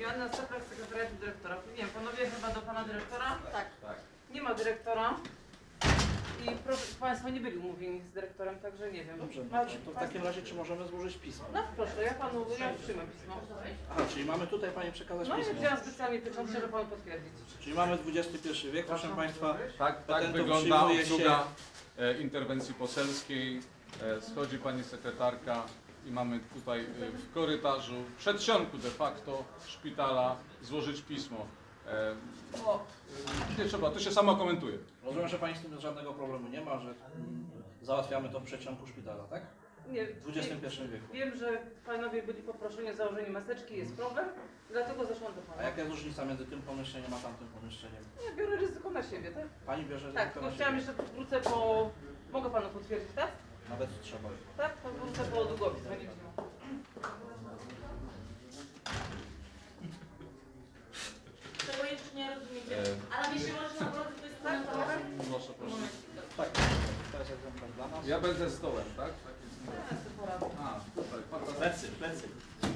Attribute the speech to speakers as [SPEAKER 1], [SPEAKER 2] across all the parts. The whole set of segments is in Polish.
[SPEAKER 1] wymiany na stopach sekretariatu dyrektora. Nie wiem, panowie chyba do pana dyrektora?
[SPEAKER 2] Tak.
[SPEAKER 1] Nie ma dyrektora. I proszę, państwo nie byli umówieni z dyrektorem, także nie wiem.
[SPEAKER 3] Dobrze, no to w takim razie czy możemy złożyć pismo?
[SPEAKER 1] No proszę, ja przyjmę pismo.
[SPEAKER 3] Aha, czyli mamy tutaj Pani przekazać
[SPEAKER 1] No i
[SPEAKER 3] pismo.
[SPEAKER 1] wziąłem specjalnie pieczątkę, żeby panu potwierdzić.
[SPEAKER 3] Czyli mamy XXI wiek, proszę Państwa.
[SPEAKER 4] Tak
[SPEAKER 3] Patentów
[SPEAKER 4] wygląda
[SPEAKER 3] przyjmuje
[SPEAKER 4] obsługa interwencji poselskiej. Schodzi pani sekretarka i mamy tutaj w korytarzu, w przedsionku de facto szpitala złożyć pismo. No, nie trzeba, to się samo komentuje.
[SPEAKER 3] Rozumiem, że Pani z tym żadnego problemu nie ma, że załatwiamy to w przeciągu szpitala, tak?
[SPEAKER 1] Nie,
[SPEAKER 3] W XXI wieku.
[SPEAKER 1] wiem, że panowie byli poproszeni o założenie maseczki, jest problem, dlatego zeszłam do
[SPEAKER 3] A
[SPEAKER 1] pana.
[SPEAKER 3] jaka jest różnica między tym pomieszczeniem a tamtym pomieszczeniem?
[SPEAKER 1] Ja biorę ryzyko na siebie, tak?
[SPEAKER 3] Pani bierze
[SPEAKER 1] Tak,
[SPEAKER 3] ryzyko
[SPEAKER 1] tylko
[SPEAKER 3] na
[SPEAKER 1] chciałam
[SPEAKER 3] siebie.
[SPEAKER 1] jeszcze wrócę po... Mogę panu potwierdzić, tak?
[SPEAKER 3] Nawet trzeba.
[SPEAKER 1] Tak, to wrócę po długopis, będziecie miał.
[SPEAKER 2] Tego jeszcze nie rozumiecie. Ale jeśli można bardzo to jest tak,
[SPEAKER 4] Proszę, proszę.
[SPEAKER 3] Tak, to jest egzemplarz dla nas.
[SPEAKER 4] Ja będę stołem, tak? A, tutaj, fantastycznie.
[SPEAKER 3] Plecy.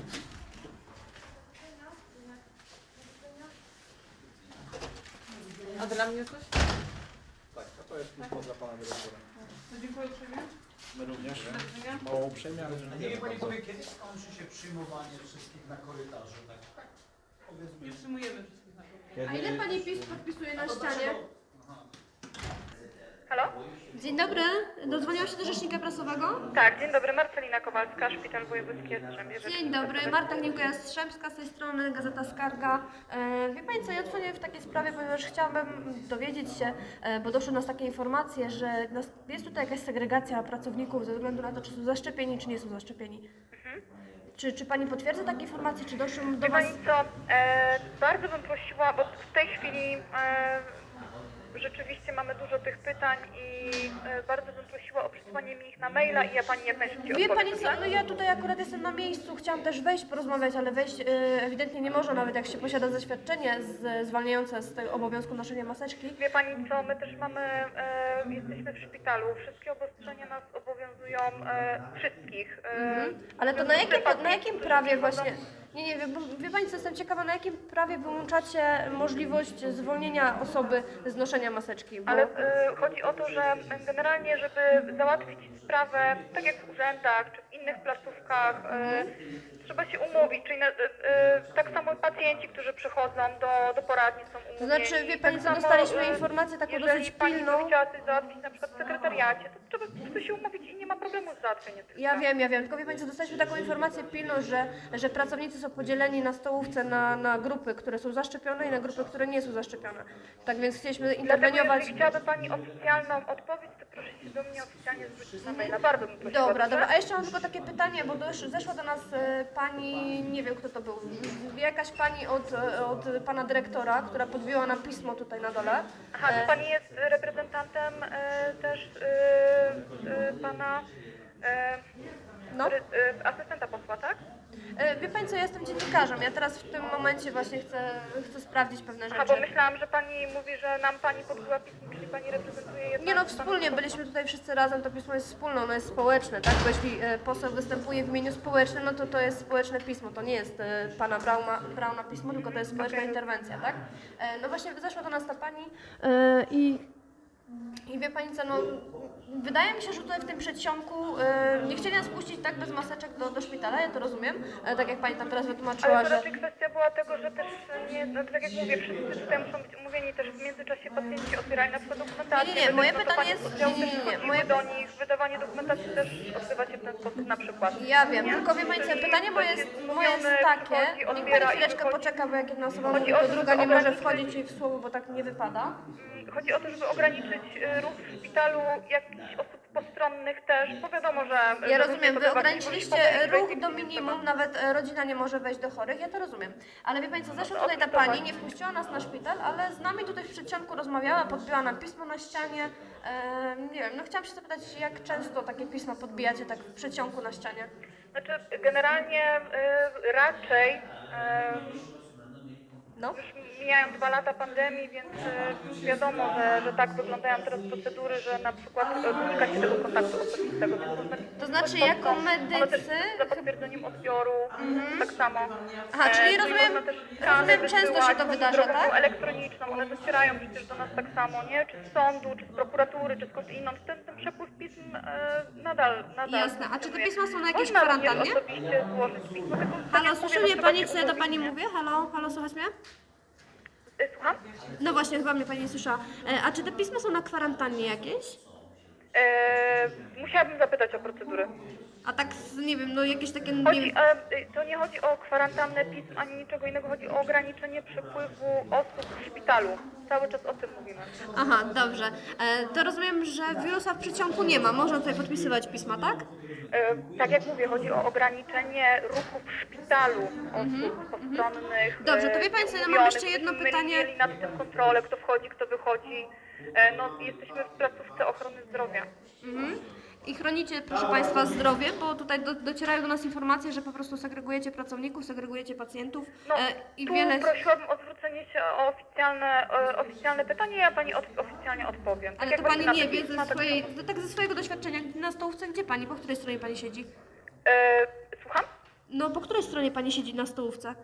[SPEAKER 1] A dla mnie coś?
[SPEAKER 3] Tak, a to jest pismo dla Pana Dyrektora.
[SPEAKER 1] To dziękuję uprzejmie.
[SPEAKER 3] My również.
[SPEAKER 1] Do widzenia.
[SPEAKER 3] Mało uprzejmie, ale
[SPEAKER 5] Nie wie Pani powie, kiedy skończy się przyjmowanie wszystkich na korytarzu? Tak powiedzmy.
[SPEAKER 1] Nie przyjmujemy wszystkich na korytarzu.
[SPEAKER 2] A ile pani PiS podpisuje na ścianie?
[SPEAKER 5] Aha.
[SPEAKER 6] Halo?
[SPEAKER 2] Dzień dobry, dodzwoniłam się do rzecznika prasowego.
[SPEAKER 6] Tak, dzień dobry, Marcelina Kowalska, Szpital Wojewódzki Jastrzębie.
[SPEAKER 2] Dzień dobry, Marta Gniłka-Jastrzębska z tej strony, Gazeta Skarga. Wie Pani co, ja dzwonię w takiej sprawie, ponieważ chciałabym dowiedzieć się, bo doszły nas takie informacje, że jest tutaj jakaś segregacja pracowników ze względu na to, czy są zaszczepieni, czy nie są zaszczepieni. Czy Pani potwierdza takie informacje, czy doszły do
[SPEAKER 6] Wie
[SPEAKER 2] Was...
[SPEAKER 6] Pani co, bardzo bym prosiła, bo w tej chwili rzeczywiście mamy dużo tych pytań i bardzo bym prosiła o przesłanie mi ich na maila i ja Pani jak najszybciej
[SPEAKER 2] Wie
[SPEAKER 6] odpowiem.
[SPEAKER 2] Pani co, no ja tutaj akurat jestem na miejscu, chciałam też wejść, porozmawiać, ale wejść ewidentnie nie można, nawet jak się posiada zaświadczenie zwalniające z tego obowiązku noszenia maseczki.
[SPEAKER 6] Wie Pani co, my też mamy, jesteśmy w szpitalu, wszystkie obostrzenia nas obowiązują wszystkich.
[SPEAKER 2] Ale to na jakim prawie właśnie... Nie, wie Pani co, jestem ciekawa, na jakim prawie wyłączacie możliwość zwolnienia osoby z noszenia maseczki? Bo...
[SPEAKER 6] Ale chodzi o to, że generalnie, żeby załatwić sprawę, tak jak w urzędach czy w innych placówkach, trzeba się umówić, czyli tak samo pacjenci, którzy przychodzą do poradni są umówieni.
[SPEAKER 2] To znaczy, wie Pani
[SPEAKER 6] Tak
[SPEAKER 2] co,
[SPEAKER 6] samo,
[SPEAKER 2] dostaliśmy informację taką
[SPEAKER 6] jeżeli
[SPEAKER 2] dosyć
[SPEAKER 6] Pani
[SPEAKER 2] pilną.
[SPEAKER 6] by chciała coś załatwić na przykład w sekretariacie, to trzeba po prostu się umówić i nie ma problemu z załatwieniem tych
[SPEAKER 2] Ja
[SPEAKER 6] spraw.
[SPEAKER 2] wiem, tylko wie Pani co, dostaliśmy taką informację pilną, że pracownicy są podzieleni na stołówce na grupy, które są zaszczepione i na grupy, które nie są zaszczepione. Tak więc chcieliśmy
[SPEAKER 6] Dlatego
[SPEAKER 2] interweniować.
[SPEAKER 6] jeżeli chciałaby Pani oficjalną odpowiedź, to proszę się do mnie oficjalnie zwrócić na maila. Bardzo bym prosiła.
[SPEAKER 2] Dobra,
[SPEAKER 6] dobrze?
[SPEAKER 2] a jeszcze mam tylko takie pytanie, bo zeszła do nas pani, nie wiem kto to był, jakaś pani od pana dyrektora, która podbiła nam pismo tutaj na dole.
[SPEAKER 6] Aha, czy Pani jest reprezentantem też Pana
[SPEAKER 2] No.
[SPEAKER 6] Asystenta posła, tak?
[SPEAKER 2] Wie Pani co, ja jestem dziennikarzem, ja teraz w tym momencie właśnie chcę sprawdzić pewne
[SPEAKER 6] Aha, bo
[SPEAKER 2] rzeczy.
[SPEAKER 6] myślałam, że Pani mówi, że nam Pani podbiła pismo, czyli Pani reprezentuje jedną...
[SPEAKER 2] Nie no, wspólnie byliśmy tutaj wszyscy razem, to pismo jest wspólne, ono jest społeczne, tak? Bo jeśli poseł występuje w imieniu społecznym, no to jest społeczne pismo, to nie jest pana Brauna pismo, tylko to jest społeczna interwencja, tak? No właśnie zeszła do nas ta pani i wie Pani co, no wydaje mi się, że tutaj w tym przedsionku nie chcieli nas puścić tak bez maseczek do szpitala, ja to rozumiem, tak jak Pani tam teraz wytłumaczyła,
[SPEAKER 6] Ale to
[SPEAKER 2] że...
[SPEAKER 6] raczej kwestia była tego, że też nie, no tak jak mówię, wszyscy tutaj muszą być umówieni, też w międzyczasie pacjenci otwierali na przykład dokumentację.
[SPEAKER 2] Nie, moje
[SPEAKER 6] no to
[SPEAKER 2] pytanie
[SPEAKER 6] pani
[SPEAKER 2] jest-
[SPEAKER 6] oddziału
[SPEAKER 2] nie,
[SPEAKER 6] też wchodziły
[SPEAKER 2] moje-
[SPEAKER 6] do nich, wydawanie dokumentacji też odbywa się w ten sposób na przykład.
[SPEAKER 2] Ja wiem, tylko wie Pani co, pytanie moje jest takie, niech Pani
[SPEAKER 6] odbiera i
[SPEAKER 2] chwileczkę
[SPEAKER 6] wychodzi.
[SPEAKER 2] poczeka, bo jak jedna osoba
[SPEAKER 6] Chodzi
[SPEAKER 2] mówi,
[SPEAKER 6] o
[SPEAKER 2] to
[SPEAKER 6] to,
[SPEAKER 2] druga
[SPEAKER 6] żeby
[SPEAKER 2] nie może
[SPEAKER 6] ograniczyć-
[SPEAKER 2] wchodzić jej w słowo, bo tak nie wypada.
[SPEAKER 6] Chodzi o to, żeby ograniczyć ruch w szpitalu jakichś osób postronnych też, bo wiadomo, że...
[SPEAKER 2] Ja
[SPEAKER 6] że
[SPEAKER 2] rozumiem,
[SPEAKER 6] ludzie
[SPEAKER 2] wy
[SPEAKER 6] to
[SPEAKER 2] ograniczyliście
[SPEAKER 6] zobaczyli,
[SPEAKER 2] ruch do minimum, nawet rodzina nie może wejść do chorych, ja to rozumiem. Ale wie Pani co, zeszła tutaj ta pani, nie wpuściła nas na szpital, ale z nami tutaj w przedsionku rozmawiała, podbiła nam pismo na ścianie. Nie wiem, no chciałam się zapytać, jak często takie pisma podbijacie tak w przedsionku na ścianie?
[SPEAKER 6] Znaczy, generalnie raczej...
[SPEAKER 2] No.
[SPEAKER 6] Już mijają 2 lata pandemii, więc wiadomo, że tak wyglądają teraz procedury, że na przykład unika się tego kontaktu osobistego. Więc
[SPEAKER 2] To znaczy,
[SPEAKER 6] są-
[SPEAKER 2] jako
[SPEAKER 6] one też
[SPEAKER 2] medycy...
[SPEAKER 6] za potwierdzeniem odbioru, tak samo.
[SPEAKER 2] Aha, czyli
[SPEAKER 6] No i
[SPEAKER 2] rozumiem,
[SPEAKER 6] można też skany
[SPEAKER 2] często się
[SPEAKER 6] wysyłać
[SPEAKER 2] to wydarza,
[SPEAKER 6] drogą
[SPEAKER 2] tak?
[SPEAKER 6] elektroniczną, one docierają przecież do nas tak samo, nie? Czy z sądu, czy z prokuratury, czy skąd inąd. Ten przepływ pism nadal
[SPEAKER 2] Jasne. A czy te
[SPEAKER 6] funkcjonuje.
[SPEAKER 2] pisma są na jakiejś
[SPEAKER 6] Można również
[SPEAKER 2] kwarantannie?
[SPEAKER 6] osobiście złożyć pismo, tylko tak
[SPEAKER 2] Halo,
[SPEAKER 6] jak
[SPEAKER 2] słyszy
[SPEAKER 6] mówię,
[SPEAKER 2] mnie
[SPEAKER 6] no,
[SPEAKER 2] pani,
[SPEAKER 6] trzeba
[SPEAKER 2] co
[SPEAKER 6] się
[SPEAKER 2] ja do pani
[SPEAKER 6] umówić,
[SPEAKER 2] mówię? Halo, halo, słychać mnie?
[SPEAKER 6] nie? Słucham?
[SPEAKER 2] No właśnie, chyba mnie pani nie słyszała. A czy te pisma są na kwarantannie jakieś?
[SPEAKER 6] Musiałabym zapytać o procedury.
[SPEAKER 2] A tak, nie wiem, no jakieś takie, nie
[SPEAKER 6] Chodzi,
[SPEAKER 2] wiem...
[SPEAKER 6] to nie chodzi o kwarantannę pism ani niczego innego, chodzi o ograniczenie przepływu osób w szpitalu. Cały czas o tym mówimy.
[SPEAKER 2] Aha, dobrze. To rozumiem, że wirusa w przeciągu nie ma. Można tutaj podpisywać pisma, tak?
[SPEAKER 6] Tak jak mówię, chodzi o ograniczenie ruchu w szpitalu osób postronnych.
[SPEAKER 2] Dobrze, to wie pani co, ja mam
[SPEAKER 6] umówionych,
[SPEAKER 2] jeszcze jedno
[SPEAKER 6] żebyśmy
[SPEAKER 2] pytanie.
[SPEAKER 6] mieli nad tym kontrolę, kto wchodzi, kto wychodzi. No, jesteśmy w placówce ochrony zdrowia.
[SPEAKER 2] I chronicie, proszę Państwa, zdrowie, bo tutaj docierają do nas informacje, że po prostu segregujecie pracowników, segregujecie pacjentów
[SPEAKER 6] No,
[SPEAKER 2] i
[SPEAKER 6] tu
[SPEAKER 2] wiele...
[SPEAKER 6] prosiłabym o zwrócenie się o oficjalne pytanie, ja pani oficjalnie odpowiem.
[SPEAKER 2] Ale
[SPEAKER 6] jak
[SPEAKER 2] to Pani
[SPEAKER 6] właśnie
[SPEAKER 2] nie
[SPEAKER 6] na
[SPEAKER 2] wie
[SPEAKER 6] te pisma,
[SPEAKER 2] ze
[SPEAKER 6] tak
[SPEAKER 2] swojej,
[SPEAKER 6] samo.
[SPEAKER 2] tak ze swojego doświadczenia na stołówce, gdzie Pani, po której stronie Pani siedzi?
[SPEAKER 6] Słucham?
[SPEAKER 2] No, po której stronie Pani siedzi na stołówce?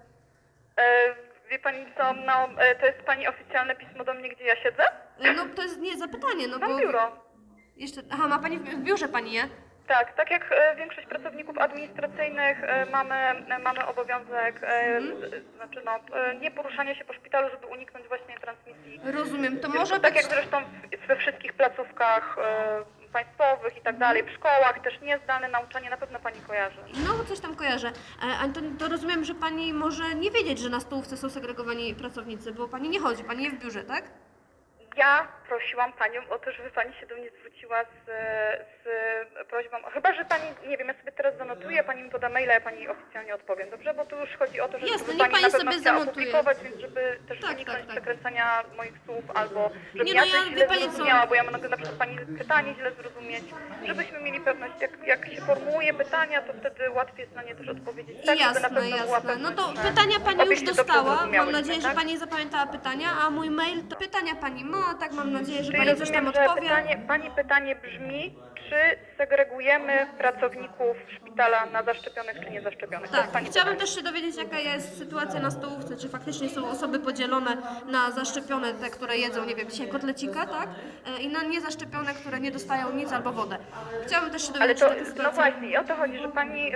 [SPEAKER 6] Wie pani co, no, to jest pani oficjalne pismo do mnie, gdzie ja siedzę?
[SPEAKER 2] No, to jest nie zapytanie, no bo...
[SPEAKER 6] Mam biuro.
[SPEAKER 2] Jeszcze, aha, ma Pani w biurze Pani je?
[SPEAKER 6] Tak jak większość pracowników administracyjnych mamy obowiązek, znaczy no, nie poruszania się po szpitalu, żeby uniknąć właśnie transmisji.
[SPEAKER 2] Rozumiem, to
[SPEAKER 6] Więc
[SPEAKER 2] może
[SPEAKER 6] tak
[SPEAKER 2] być...
[SPEAKER 6] jak zresztą we wszystkich placówkach państwowych i tak dalej, w szkołach też niezdalne nauczanie, na pewno pani kojarzy.
[SPEAKER 2] No, coś tam kojarzę. A to rozumiem, że Pani może nie wiedzieć, że na stołówce są segregowani pracownicy, bo Pani nie chodzi, Pani je w biurze, tak?
[SPEAKER 6] Ja prosiłam panią o to, żeby pani się do mnie zwróciła z prośbą, chyba że pani, nie wiem, ja sobie teraz zanotuję, pani mi poda maila, ja pani oficjalnie odpowiem, dobrze? Bo tu już chodzi o to, żeby
[SPEAKER 2] Jasne, niech
[SPEAKER 6] pani
[SPEAKER 2] pani
[SPEAKER 6] na pewno
[SPEAKER 2] sobie
[SPEAKER 6] chciała
[SPEAKER 2] zanotuje.
[SPEAKER 6] opublikować, więc żeby też
[SPEAKER 2] Tak,
[SPEAKER 6] uniknąć
[SPEAKER 2] tak, tak.
[SPEAKER 6] przekręcania moich słów, albo żebym
[SPEAKER 2] Nie,
[SPEAKER 6] ja
[SPEAKER 2] no
[SPEAKER 6] coś
[SPEAKER 2] ja-
[SPEAKER 6] źle
[SPEAKER 2] wie pani co?
[SPEAKER 6] zrozumiała, bo ja mogę na przykład pani pytanie źle zrozumieć, żebyśmy mieli pewność, jak się formułuje pytania, to wtedy łatwiej jest na nie też odpowiedzieć tak, żeby na
[SPEAKER 2] Jasne,
[SPEAKER 6] pewno była
[SPEAKER 2] jasne. No to
[SPEAKER 6] pewność, że
[SPEAKER 2] pytania Pani
[SPEAKER 6] obie
[SPEAKER 2] już
[SPEAKER 6] się dobrze
[SPEAKER 2] dostała. Mam
[SPEAKER 6] zrozumiałyśmy,
[SPEAKER 2] nadzieję, że
[SPEAKER 6] tak?
[SPEAKER 2] Pani zapamiętała pytania, a mój mail to pytania Pani ma, tak mam nadzieję, że
[SPEAKER 6] Czyli
[SPEAKER 2] Pani coś tam
[SPEAKER 6] rozumiem, że
[SPEAKER 2] odpowie.
[SPEAKER 6] pani pytanie brzmi, czy segregujemy pracowników szpitala na zaszczepionych czy niezaszczepionych? To
[SPEAKER 2] Tak,
[SPEAKER 6] jest pani
[SPEAKER 2] chciałabym
[SPEAKER 6] pytanie.
[SPEAKER 2] też się dowiedzieć, jaka jest sytuacja na stołówce, czy faktycznie są osoby podzielone na zaszczepione, te, które jedzą, nie wiem, dzisiaj kotlecika, tak? I na niezaszczepione, które nie dostają nic albo wodę. Chciałabym też się
[SPEAKER 6] Ale
[SPEAKER 2] dowiedzieć,
[SPEAKER 6] to,
[SPEAKER 2] jaka jest
[SPEAKER 6] no
[SPEAKER 2] sytuacja.
[SPEAKER 6] właśnie, i o to chodzi, że pani,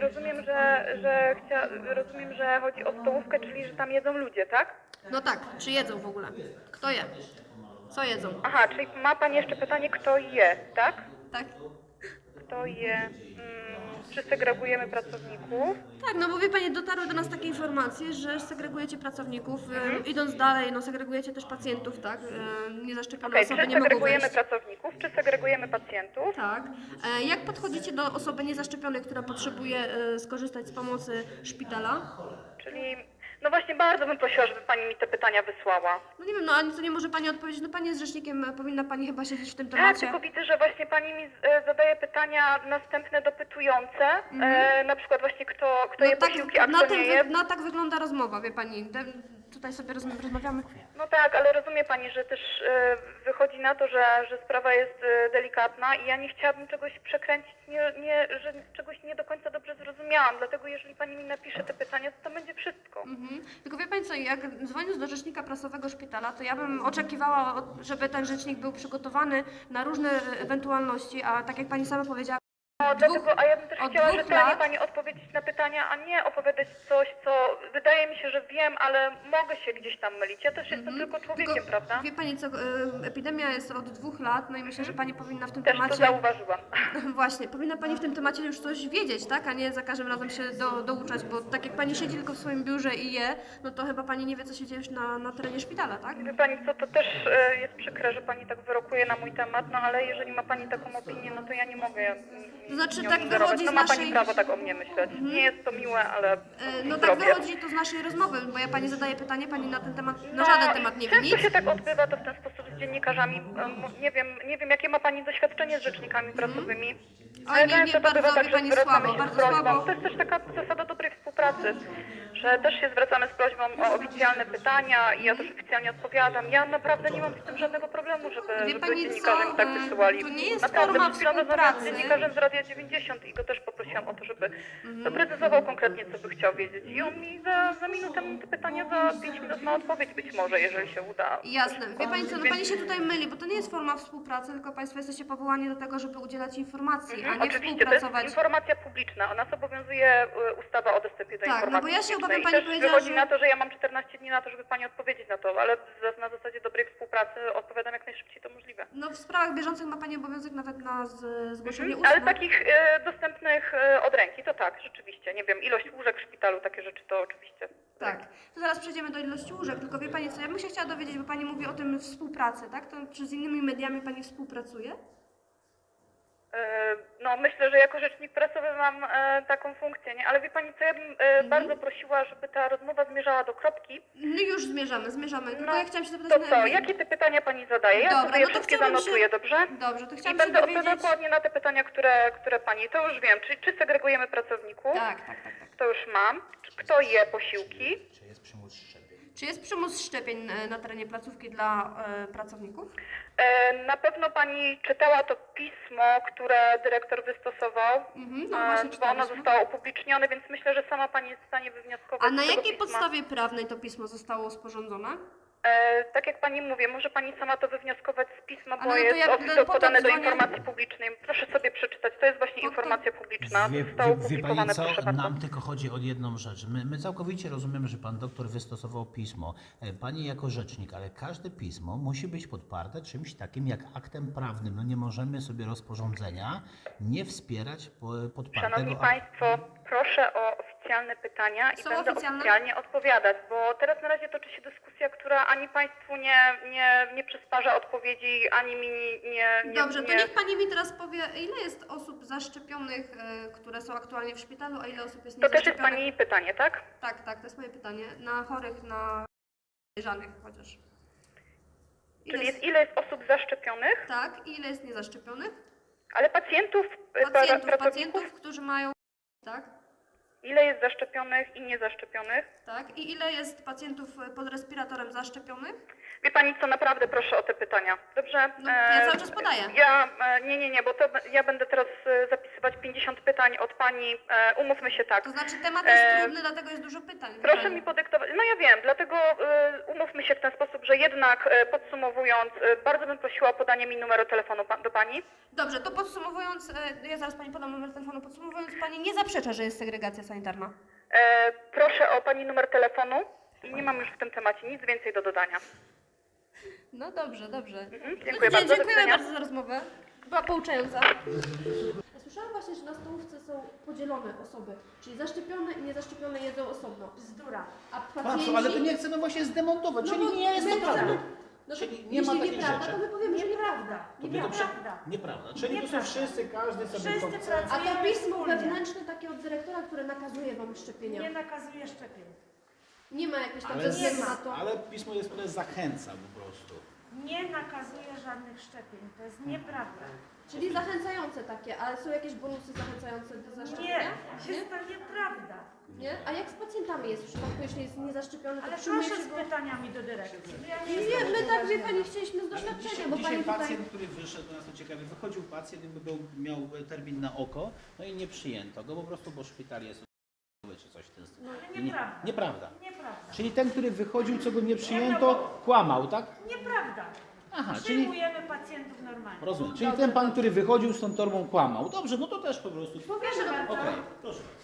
[SPEAKER 6] rozumiem, że chodzi o stołówkę, czyli że tam jedzą ludzie, tak?
[SPEAKER 2] No tak, czy jedzą w ogóle? Kto je? Co jedzą?
[SPEAKER 6] Aha, czyli ma pani jeszcze pytanie, kto je, tak?
[SPEAKER 2] Tak?
[SPEAKER 6] Kto je, czy segregujemy pracowników?
[SPEAKER 2] Tak, no bo wie Pani, dotarły do nas takie informacje, że segregujecie pracowników, idąc dalej, no segregujecie też pacjentów, tak? Niezaszczepione
[SPEAKER 6] Okej,
[SPEAKER 2] osoby
[SPEAKER 6] czy
[SPEAKER 2] nie mogą
[SPEAKER 6] segregujemy
[SPEAKER 2] wejść.
[SPEAKER 6] pracowników, czy segregujemy pacjentów?
[SPEAKER 2] Tak. Jak podchodzicie do osoby niezaszczepionej, która potrzebuje skorzystać z pomocy szpitala?
[SPEAKER 6] Czyli, no właśnie bardzo bym prosiła, żeby pani mi te pytania wysłała.
[SPEAKER 2] No nie wiem, no ani co nie może Pani odpowiedzieć, no Pani jest rzecznikiem, powinna Pani chyba siedzieć w tym
[SPEAKER 6] Tak,
[SPEAKER 2] temacie.
[SPEAKER 6] tylko widzę, że właśnie pani mi zadaje pytania następne dopytujące, na przykład właśnie kto je posiłki, a kto nie je.
[SPEAKER 2] no tak wygląda rozmowa, wie Pani. Tutaj sobie rozmawiamy.
[SPEAKER 6] No tak, ale rozumie pani, że też wychodzi na to, że sprawa jest delikatna i ja nie chciałabym czegoś przekręcić, że czegoś nie do końca dobrze zrozumiałam, dlatego jeżeli pani mi napisze te pytania, to tam będzie wszystko.
[SPEAKER 2] Tylko wie Pani co, jak dzwoniąc do rzecznika prasowego szpitala, to ja bym oczekiwała, żeby ten rzecznik był przygotowany na różne ewentualności, a tak jak Pani sama powiedziała,
[SPEAKER 6] No, dlatego, a ja bym też
[SPEAKER 2] od
[SPEAKER 6] chciała
[SPEAKER 2] 2
[SPEAKER 6] rzetelnie
[SPEAKER 2] lat-
[SPEAKER 6] pani odpowiedzieć na pytania, a nie opowiadać coś, co wydaje mi się, że wiem, ale mogę się gdzieś tam mylić. Ja też jestem tylko człowiekiem,
[SPEAKER 2] tylko
[SPEAKER 6] prawda?
[SPEAKER 2] wie Pani co, epidemia jest od 2 lat, no i myślę, że Pani powinna w tym
[SPEAKER 6] Też to
[SPEAKER 2] temacie...
[SPEAKER 6] zauważyłam.
[SPEAKER 2] Właśnie, powinna Pani w tym temacie już coś wiedzieć, tak? A nie za każdym razem się douczać, bo tak jak Pani siedzi tylko w swoim biurze i je, no to chyba Pani nie wie, co się dzieje na terenie szpitala, tak?
[SPEAKER 6] Wie pani co, to też jest przykre, że pani tak wyrokuje na mój temat, no ale jeżeli ma pani taką opinię, no to ja nie mogę
[SPEAKER 2] To znaczy,
[SPEAKER 6] nią
[SPEAKER 2] tak
[SPEAKER 6] ingerować.
[SPEAKER 2] wychodzi
[SPEAKER 6] No
[SPEAKER 2] z
[SPEAKER 6] ma
[SPEAKER 2] naszej-
[SPEAKER 6] pani prawo tak o mnie myśleć. Nie jest to miłe, ale
[SPEAKER 2] No tak
[SPEAKER 6] zrobię.
[SPEAKER 2] wychodzi to z naszej rozmowy, bo ja Pani zadaję pytanie, Pani na ten temat, na żaden temat nie wie
[SPEAKER 6] często
[SPEAKER 2] nic.
[SPEAKER 6] się tak odbywa to w ten sposób z dziennikarzami. Nie wiem jakie ma pani doświadczenie z rzecznikami prasowymi.
[SPEAKER 2] Oj, nie,
[SPEAKER 6] często to
[SPEAKER 2] bardzo,
[SPEAKER 6] bywa tak,
[SPEAKER 2] wie
[SPEAKER 6] że
[SPEAKER 2] pani,
[SPEAKER 6] zwracamy
[SPEAKER 2] słabo,
[SPEAKER 6] się z
[SPEAKER 2] bardzo
[SPEAKER 6] prośbą.
[SPEAKER 2] słabo.
[SPEAKER 6] To jest też taka zasada dobrej współpracy, że też się zwracamy z prośbą o oficjalne pytania i ja też oficjalnie odpowiadam. Ja naprawdę nie mam z tym żadnego problemu, żeby
[SPEAKER 2] pani
[SPEAKER 6] dziennikarze
[SPEAKER 2] co,
[SPEAKER 6] mi tak wysyłali.
[SPEAKER 2] to nie jest
[SPEAKER 6] Naprawdę,
[SPEAKER 2] forma
[SPEAKER 6] przed chwilą rozmawiałam z
[SPEAKER 2] współpracy.
[SPEAKER 6] dziennikarzem z Radia 90 i go też poprosiłam o to, żeby doprecyzował konkretnie, co by chciał wiedzieć. I on mi za minutę te pytania, za 5 minut ma odpowiedź być może, jeżeli się uda.
[SPEAKER 2] Jasne. Wie pani co, no pani się tutaj myli, bo to nie jest forma współpracy, tylko państwo jesteście powołani do tego, żeby udzielać informacji, a nie
[SPEAKER 6] Oczywiście, to jest
[SPEAKER 2] współpracować.
[SPEAKER 6] informacja publiczna. Nas obowiązuje ustawa o dostępie do
[SPEAKER 2] Tak, no
[SPEAKER 6] informacji
[SPEAKER 2] bo ja się
[SPEAKER 6] publicznej.
[SPEAKER 2] obawiam,
[SPEAKER 6] I
[SPEAKER 2] pani
[SPEAKER 6] też
[SPEAKER 2] powiedziała,
[SPEAKER 6] wychodzi
[SPEAKER 2] że-
[SPEAKER 6] na to, że ja mam 14 dni na to, żeby pani odpowiedzieć na to, ale na zasadzie dobrej współpracy odpowiadam jak najszybciej to możliwe.
[SPEAKER 2] No w sprawach bieżących ma pani obowiązek nawet na zgłoszenie ustne.
[SPEAKER 6] Ale takich dostępnych od ręki, to tak, rzeczywiście. Nie wiem, ilość łóżek w szpitalu, takie rzeczy, to oczywiście.
[SPEAKER 2] Tak. To zaraz przejdziemy do ilości łóżek, tylko wie pani co, ja bym się chciała dowiedzieć, bo pani mówi o tym współpracy, tak? To czy z innymi mediami pani współpracuje?
[SPEAKER 6] No myślę, że jako rzecznik prasowy mam taką funkcję, nie? Ale wie pani co, ja bym bardzo prosiła, żeby ta rozmowa zmierzała do kropki.
[SPEAKER 2] No już zmierzamy. Tylko
[SPEAKER 6] No,
[SPEAKER 2] ja chciałam się
[SPEAKER 6] To
[SPEAKER 2] zapytać
[SPEAKER 6] co, jakie te pytania pani zadaje? Ja
[SPEAKER 2] Dobra,
[SPEAKER 6] sobie je
[SPEAKER 2] no to
[SPEAKER 6] wszystkie
[SPEAKER 2] chciałabym się-
[SPEAKER 6] zanotuję, dobrze?
[SPEAKER 2] Dobrze, to
[SPEAKER 6] I
[SPEAKER 2] chciałam się
[SPEAKER 6] będę odpowiadać
[SPEAKER 2] dowiedzieć...
[SPEAKER 6] dokładnie na te pytania, które pani, to już wiem. Czy segregujemy pracowników?
[SPEAKER 2] Tak.
[SPEAKER 6] To już mam. Kto je posiłki?
[SPEAKER 5] Czy jest przymus szczepień?
[SPEAKER 2] Czy jest przymus szczepień na terenie placówki dla pracowników?
[SPEAKER 6] Na pewno pani czytała to pismo, które dyrektor wystosował,
[SPEAKER 2] No właśnie
[SPEAKER 6] bo ono
[SPEAKER 2] czytaliśmy.
[SPEAKER 6] zostało upublicznione, więc myślę, że sama pani jest w stanie wywnioskować
[SPEAKER 2] A na
[SPEAKER 6] z tego
[SPEAKER 2] jakiej
[SPEAKER 6] pisma.
[SPEAKER 2] podstawie prawnej to pismo zostało sporządzone?
[SPEAKER 6] Tak jak pani mówię, może pani sama to wywnioskować z pisma, bo
[SPEAKER 2] Ale no to
[SPEAKER 6] jest
[SPEAKER 2] ja
[SPEAKER 6] oficjalnie
[SPEAKER 2] po to
[SPEAKER 6] podane do
[SPEAKER 2] dzwonię.
[SPEAKER 6] informacji publicznej. Proszę sobie przeczytać, to jest właśnie
[SPEAKER 2] Po to-
[SPEAKER 6] informacja publiczna.
[SPEAKER 5] Wie
[SPEAKER 6] Zostało
[SPEAKER 5] pani
[SPEAKER 6] opublikowane,
[SPEAKER 5] co,
[SPEAKER 6] proszę bardzo.
[SPEAKER 5] nam tylko chodzi o jedną rzecz. My całkowicie rozumiemy, że pan doktor wystosował pismo. Pani jako rzecznik, ale każde pismo musi być podparte czymś takim jak aktem prawnym. No nie możemy sobie rozporządzenia nie wspierać podpartego
[SPEAKER 6] Szanowni Państwo, proszę o oficjalne pytania i
[SPEAKER 2] Są
[SPEAKER 6] będę
[SPEAKER 2] oficjalne?
[SPEAKER 6] oficjalnie odpowiadać, bo teraz na razie toczy się dyskusja, która ani Państwu nie przysparza odpowiedzi, ani mi nie...
[SPEAKER 2] Dobrze, to niech pani mi teraz powie, ile jest osób zaszczepionych, które są aktualnie w szpitalu, a ile osób jest
[SPEAKER 6] To też jest
[SPEAKER 2] niezaszczepionych?
[SPEAKER 6] Pani pytanie, tak?
[SPEAKER 2] Tak, to jest moje pytanie. Na chorych, na podejrzanych chociaż.
[SPEAKER 6] Ile jest osób zaszczepionych,
[SPEAKER 2] Tak, i ile jest niezaszczepionych?
[SPEAKER 6] ale pacjentów, pracowników,
[SPEAKER 2] Pacjentów, którzy mają... Tak,
[SPEAKER 6] ile jest zaszczepionych i niezaszczepionych?
[SPEAKER 2] tak. I ile jest pacjentów pod respiratorem zaszczepionych?
[SPEAKER 6] Wie Pani co, naprawdę proszę o te pytania, dobrze?
[SPEAKER 2] No, ja cały czas podaję.
[SPEAKER 6] Nie, bo to ja będę teraz zapisywać 50 pytań od Pani, umówmy się tak.
[SPEAKER 2] To znaczy temat jest trudny, dlatego jest dużo pytań.
[SPEAKER 6] Proszę mi podyktować, no ja wiem, dlatego umówmy się w ten sposób, że jednak podsumowując, bardzo bym prosiła o podanie mi numeru telefonu do Pani.
[SPEAKER 2] Dobrze, to podsumowując, ja zaraz pani podam numer telefonu, podsumowując, pani nie zaprzecza, że jest segregacja sanitarna.
[SPEAKER 6] Proszę o Pani numer telefonu i nie mam już w tym temacie nic więcej do dodania.
[SPEAKER 2] No dobrze.
[SPEAKER 6] Dziękuję bardzo. Do
[SPEAKER 2] Dziękuję
[SPEAKER 6] widzenia.
[SPEAKER 2] bardzo za rozmowę. Była pouczająca. Ja słyszałam właśnie, że na stołówce są podzielone osoby, czyli zaszczepione i niezaszczepione jedzą osobno. Bzdura. A pacjenci...
[SPEAKER 5] ale to nie chcemy właśnie zdemontować,
[SPEAKER 2] No
[SPEAKER 5] czyli
[SPEAKER 2] bo
[SPEAKER 5] nie jest to
[SPEAKER 2] my
[SPEAKER 5] prawda.
[SPEAKER 2] chcemy- No to
[SPEAKER 5] Czyli nie ma
[SPEAKER 2] jeśli
[SPEAKER 5] takich
[SPEAKER 2] nieprawda,
[SPEAKER 5] rzeczy.
[SPEAKER 2] to my powiemy, że nieprawda.
[SPEAKER 5] Nieprawda. Czyli to są wszyscy, każdy sobie
[SPEAKER 7] Wszyscy
[SPEAKER 5] chce.
[SPEAKER 2] A to
[SPEAKER 7] pracujemy
[SPEAKER 2] pismo
[SPEAKER 7] wspólnie.
[SPEAKER 2] wewnętrzne takie od dyrektora, które nakazuje wam szczepienia.
[SPEAKER 7] Nie nakazuje szczepień.
[SPEAKER 2] Nie ma jakiegoś tam
[SPEAKER 5] Ale,
[SPEAKER 2] ze względu na to.
[SPEAKER 5] ale pismo jest, które zachęca po prostu.
[SPEAKER 7] Nie nakazuje żadnych szczepień. To jest nieprawda.
[SPEAKER 2] Czyli zachęcające takie, ale są jakieś bonusy zachęcające do
[SPEAKER 7] Nie,
[SPEAKER 2] zaszczepienia?
[SPEAKER 7] jest to nieprawda.
[SPEAKER 2] Nie? A jak z pacjentami jest w przypadku, jeśli jest niezaszczepiony, to
[SPEAKER 7] Ale
[SPEAKER 2] przyjmuje
[SPEAKER 7] proszę
[SPEAKER 2] się
[SPEAKER 7] z
[SPEAKER 2] go...
[SPEAKER 7] pytaniami do dyrekcji. Ja nie
[SPEAKER 2] Nie,
[SPEAKER 7] jestem
[SPEAKER 2] my tak, wie
[SPEAKER 7] upoważniona.
[SPEAKER 2] pani, chcieliśmy z doświadczenia, bo pani
[SPEAKER 5] Dzisiaj
[SPEAKER 2] tutaj...
[SPEAKER 5] pacjent, który wyszedł, do nas to ciekawie, wychodził pacjent, miał termin na oko, no i nie przyjęto go po prostu, bo szpital jest czy coś w ten stylu.
[SPEAKER 7] Ale nieprawda.
[SPEAKER 5] Nieprawda.
[SPEAKER 7] Nieprawda.
[SPEAKER 5] Czyli ten, który wychodził, co go nie przyjęto, kłamał, tak?
[SPEAKER 7] Nieprawda.
[SPEAKER 5] Aha, czyli
[SPEAKER 7] Przyjmujemy pacjentów normalnie.
[SPEAKER 5] rozumiem. Czyli ten pan, który wychodził z tą torbą, kłamał. Dobrze, no to też po prostu.
[SPEAKER 2] Powiemy,
[SPEAKER 7] Proszę bardzo.
[SPEAKER 5] Okej.